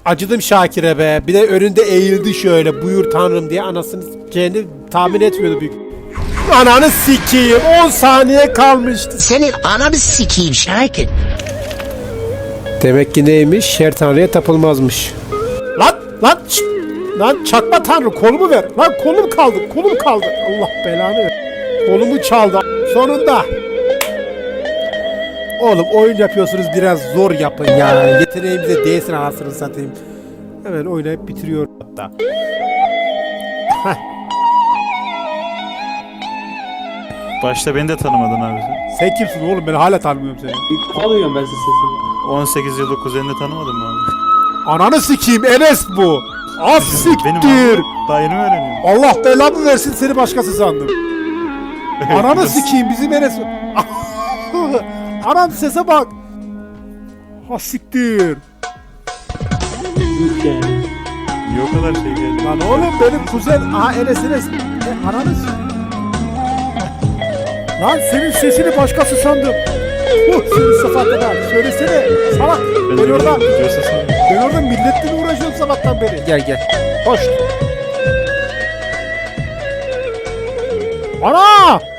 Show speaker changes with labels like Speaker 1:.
Speaker 1: acıdım Şakir'e be. Bir de önünde eğildi şöyle buyur tanrım diye anasını s**eceğini tahmin etmiyordu büyük. Ananı sikeyim 10 saniye kalmıştı.
Speaker 2: Senin ananı sikeyim Şakir.
Speaker 1: Demek ki neymiş? Her tanrıya tapılmazmış. Lan şşt! Lan çakma tanrı kolumu ver. Lan kolum kaldı. Allah belanı ver. Kolumu çaldı. Sonunda. Oğlum oyun yapıyorsunuz biraz zor yapın ya. Yeteneğimize değsin anasını satayım. Hemen oynayıp bitiriyor hatta.
Speaker 3: Başta beni de tanımadın abi sen.
Speaker 1: Sen kimsin oğlum ben hala tanımıyorum seni.
Speaker 4: Alıyorum ben size sesini.
Speaker 3: 18 yıllık kuzenini tanımadın mı abi?
Speaker 1: Ananı sikeyim Enes bu. Az
Speaker 3: Benim
Speaker 1: siktir.
Speaker 3: abi. Daha yeni mi öğreniyorum?
Speaker 1: Allah belamı versin seni başkası sandım. Ananı sikeyim bizim Enes. Anam sese bak. Ha siktir.
Speaker 4: Yuh yani.
Speaker 3: Niye o kadar şey geldi?
Speaker 1: Lan oğlum benim kuzen. Aha Enes. Ananı sikeyim. Lan senin sesini başkası sandım. Senin sıfatına. Söylesene. Salak. Ben orada milletle mi uğraşıyorum sabahtan beri? Gel. Hoş. Ana!